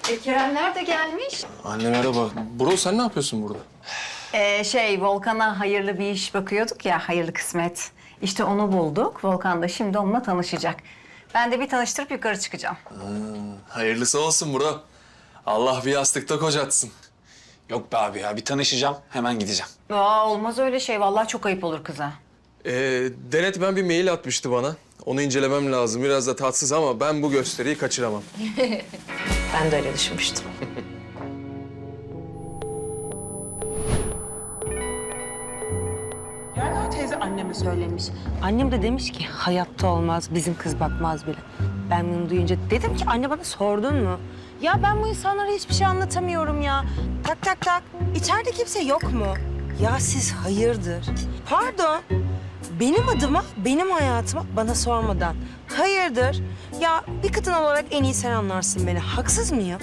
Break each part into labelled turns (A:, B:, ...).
A: Keremler de gelmiş.
B: Anne merhaba. Bro sen ne yapıyorsun burada?
A: Volkan'a hayırlı bir iş bakıyorduk ya, hayırlı kısmet. İşte onu bulduk. Volkan da şimdi onunla tanışacak. Ben de bir tanıştırıp yukarı çıkacağım.
B: Hayırlısı olsun bro. Allah bir yastıkta kocatsın.
C: Yok be abi ya, bir tanışacağım, hemen gideceğim.
A: Olmaz öyle şey. Vallahi çok ayıp olur kıza.
B: Denet ben bir mail atmıştı bana. Onu incelemem lazım. Biraz da tatsız ama ben bu gösteriyi kaçıramam.
A: Ben de öyle düşünmüştüm.
D: Yelda teyze anneme söylemiş. Annem de demiş ki hayatta olmaz, bizim kız bakmaz bile. Ben bunu duyunca dedim ki anne bana sordun mu? Ya ben bu insanlara hiçbir şey anlatamıyorum ya. Tak tak tak. İçeride kimse yok mu? Ya siz hayırdır? Pardon. Benim adıma, benim hayatıma bana sormadan. Hayırdır? Ya bir kadın olarak en iyi sen anlarsın beni. Haksız mıyım?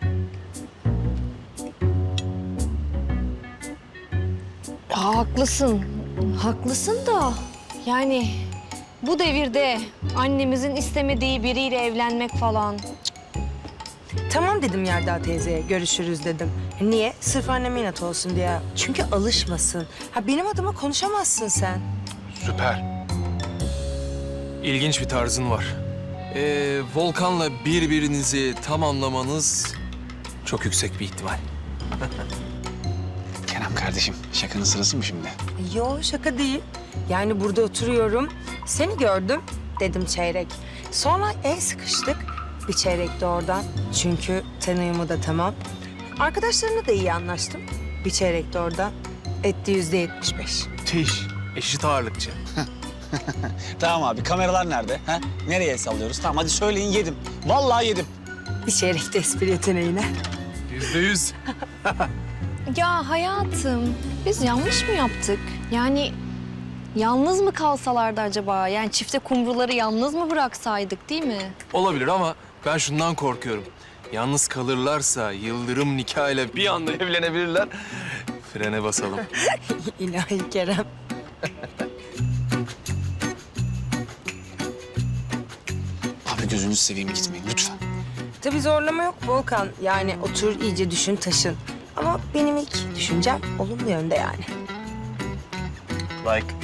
E: Haklısın. Haklısın da yani bu devirde annemizin istemediği biriyle evlenmek falan.
D: Tamam dedim Yelda teyzeye, görüşürüz dedim. Niye? Sırf anneme inat olsun diye. Çünkü alışmasın. Ha benim adıma konuşamazsın sen.
B: Süper. İlginç bir tarzın var. Volkan'la birbirinizi tamamlamanız çok yüksek bir ihtimal.
C: Kerem kardeşim, şakanın sırası mı şimdi?
D: Yo şaka değil. Yani burada oturuyorum, seni gördüm dedim çeyrek. Sonra el sıkıştık, bir çeyrek de oradan. Çünkü ten uyumu da tamam. Arkadaşlarımla da iyi anlaştım. Bir çeyrek de oradan. Etti %75.
B: Tiş. Eşit ağırlıkçı.
C: Tamam abi, kameralar nerede? Ha? Nereye sallıyoruz? Tamam hadi söyleyin, yedim. Vallahi yedim.
D: Bir çeyrek de espri yeteneğine.
B: %100.
E: Ya hayatım, biz yanlış mı yaptık? Yani yalnız mı kalsalardı acaba? Yani çifte kumruları yalnız mı bıraksaydık, değil mi?
B: Olabilir ama ben şundan korkuyorum. Yalnız kalırlarsa yıldırım nikahıyla bir anda evlenebilirler. Frene basalım.
D: İlahi Kerem.
C: Abi gözünüzü seveyim, gitmeyin lütfen.
D: Tabii zorlama yok Volkan. Yani otur iyice düşün taşın. Ama benim ilk düşüncem olumlu yönde yani.
B: Like.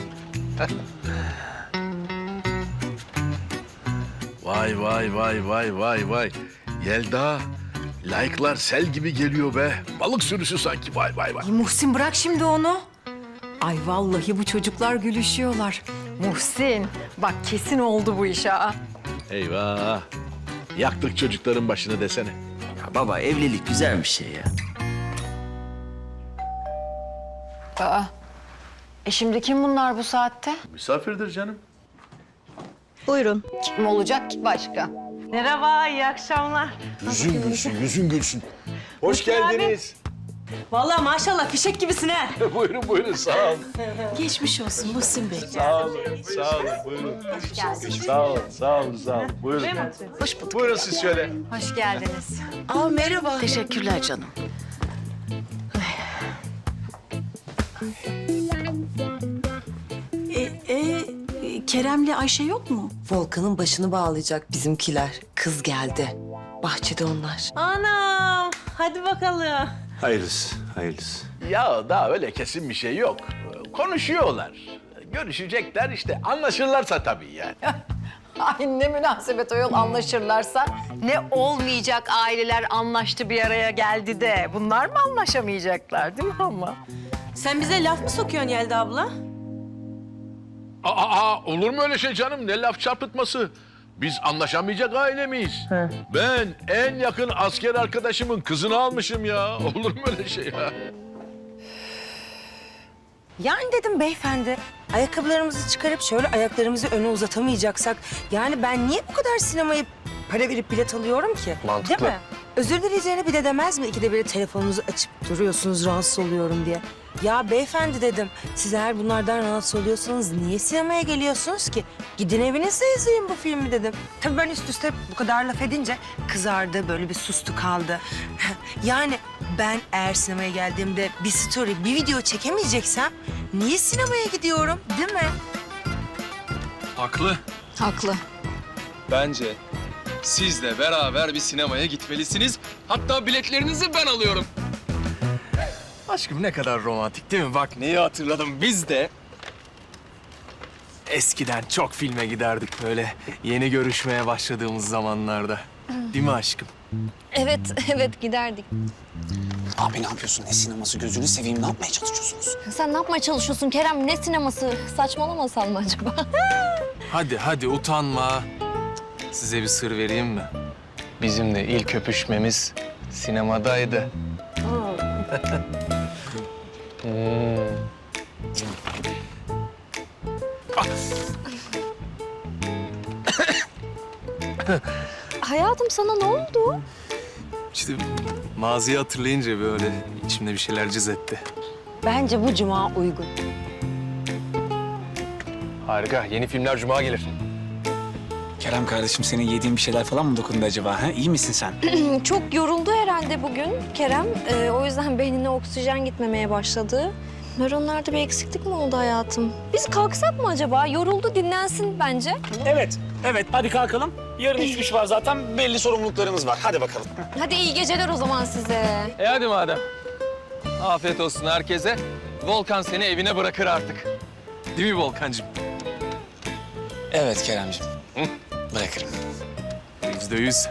F: Vay vay vay vay vay vay. Yelda, like'lar sel gibi geliyor be. Balık sürüsü sanki vay vay vay.
A: Muhsin bırak şimdi onu. Ay vallahi bu çocuklar gülüşüyorlar. Muhsin bak kesin oldu bu iş ha.
F: Eyvah. Yaktık çocukların başını desene.
G: Ya baba evlilik güzel bir şey ya.
A: Şimdi kim bunlar bu saatte?
F: Misafirdir canım.
A: Kim olacak ki başka?
D: Merhaba, iyi akşamlar.
F: Yüzün gülsün, yüzün gülsün. Hoş geldiniz.
D: Vallahi maşallah fişek gibisin ha.
F: Buyurun buyurun sağ olun.
D: Geçmiş olsun Muhsin Bey.
F: Sağ olun, sağ olun buyurun. Sağ olun, sağ olun, sağ olun. Buyurun.
A: Hoş bulduk.
F: Buyurun siz şöyle.
A: Hoş geldiniz.
D: Aa merhaba.
G: Teşekkürler canım.
H: Kerem'le Ayşe yok mu?
I: Volkan'ın başını bağlayacak bizimkiler. Kız geldi. Bahçede onlar.
D: Anam, hadi bakalım.
G: Hayırlısı, hayırlısı.
F: Ya daha öyle kesin bir şey yok. Konuşuyorlar. Görüşecekler işte anlaşırlarsa tabii yani.
A: Ay ne münasebet o yol anlaşırlarsa. Ne olmayacak aileler anlaştı bir araya geldi de. Bunlar mı anlaşamayacaklar değil mi ama?
D: Sen bize laf mı sokuyorsun Yelda abla?
F: Olur mu öyle şey canım? Ne laf çarpıtması? Biz anlaşamayacak aile miyiz? Ben en yakın asker arkadaşımın kızını almışım ya. Olur mu öyle şey ya?
D: Yani dedim beyefendi, ayakkabılarımızı çıkarıp şöyle ayaklarımızı öne uzatamayacaksak... ...yani ben niye bu kadar sinemaya para verip bilet alıyorum ki?
B: Mantıklı.
D: Değil mi? Özür dileyeceğine bir de demez mi? İkide bir telefonunuzu açıp duruyorsunuz rahatsız oluyorum diye. Ya beyefendi dedim, siz eğer bunlardan rahatsız oluyorsanız niye sinemaya geliyorsunuz ki? Gidin evinizde izleyin bu filmi dedim. Tabii ben üst üste bu kadar laf edince kızardı, böyle bir sustu kaldı. Yani ben eğer sinemaya geldiğimde bir story, bir video çekemeyeceksem niye sinemaya gidiyorum, değil mi?
B: Haklı.
E: Haklı.
B: Bence Sizle beraber bir sinemaya gitmelisiniz. Hatta biletlerinizi ben alıyorum. Aşkım ne kadar romantik değil mi? Bak neyi hatırladım. Biz de eskiden çok filme giderdik böyle yeni görüşmeye başladığımız zamanlarda. Değil mi aşkım?
E: Evet, evet giderdik.
C: Abi ne yapıyorsun? Ne sineması gözünü seveyim, ne yapmaya çalışıyorsunuz?
E: Sen ne yapmaya çalışıyorsun Kerem? Ne sineması? Saçmalamasan mı acaba?
B: Hadi utanma. Size bir sır vereyim mi? Bizim de ilk öpüşmemiz sinemadaydı.
E: Hayatım sana ne oldu?
B: İşte maziyi hatırlayınca böyle içimde bir şeyler cız etti.
D: Bence bu cuma uygun.
B: Harika. Yeni filmler cuma gelir.
C: Kerem kardeşim, senin yediğin bir şeyler falan mı dokundu acaba? Ha? İyi misin sen?
E: Çok yoruldu herhalde bugün Kerem. O yüzden beynine oksijen gitmemeye başladı. Nöronlarda bir eksiklik mi oldu hayatım? Biz kalksak mı acaba? Yoruldu, dinlensin bence.
C: Evet, evet. Hadi kalkalım. Yarın iş var zaten. Belli sorumluluklarımız var. Hadi bakalım.
E: Hadi iyi geceler o zaman size.
B: Hadi madem. Afiyet olsun herkese. Volkan seni evine bırakır artık. Değil mi Volkancığım?
C: Evet Keremciğim. Bırakırım.
B: %100.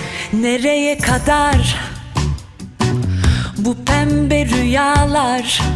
J: Nereye kadar bu pembe rüyalar?